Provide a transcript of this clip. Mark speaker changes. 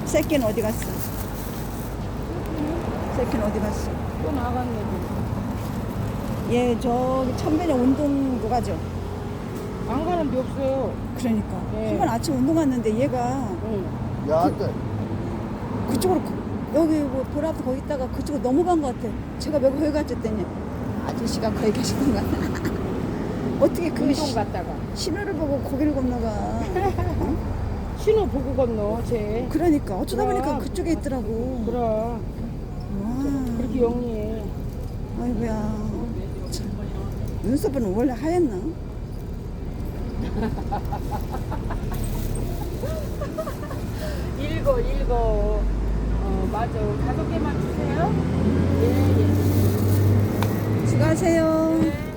Speaker 1: 새끼는 어디 갔어? 새끼는 어디 갔어?
Speaker 2: 또 나갔네.
Speaker 1: 얘 저기 천변에 운동도 가죠.
Speaker 2: 안 가는 데 없어요.
Speaker 1: 그러니까
Speaker 2: 네.
Speaker 1: 한 번 아침 운동 갔는데 얘가
Speaker 2: 응.
Speaker 3: 야,
Speaker 1: 그쪽으로 여기 뭐 보라 앞에 거기 있다가 그쪽으로 넘어간 것 같아. 제가 몇 거기 갔지 했더니 아저씨가 거기 계시는 거야. 어떻게 그
Speaker 2: 운동 갔다가
Speaker 1: 신호를 보고 거기를 건너가. 어?
Speaker 2: 신호 보고 건너 쟤.
Speaker 1: 그러니까 어쩌다
Speaker 2: 그럼.
Speaker 1: 보니까 그쪽에 있더라고.
Speaker 2: 그럼
Speaker 1: 와,
Speaker 2: 그렇게 영리해.
Speaker 1: 아이고야. 참. 눈썹은 원래 하얗나?
Speaker 2: 읽어. 맞아. 5개만 주세요. 예.
Speaker 1: 수고하세요.
Speaker 2: 네.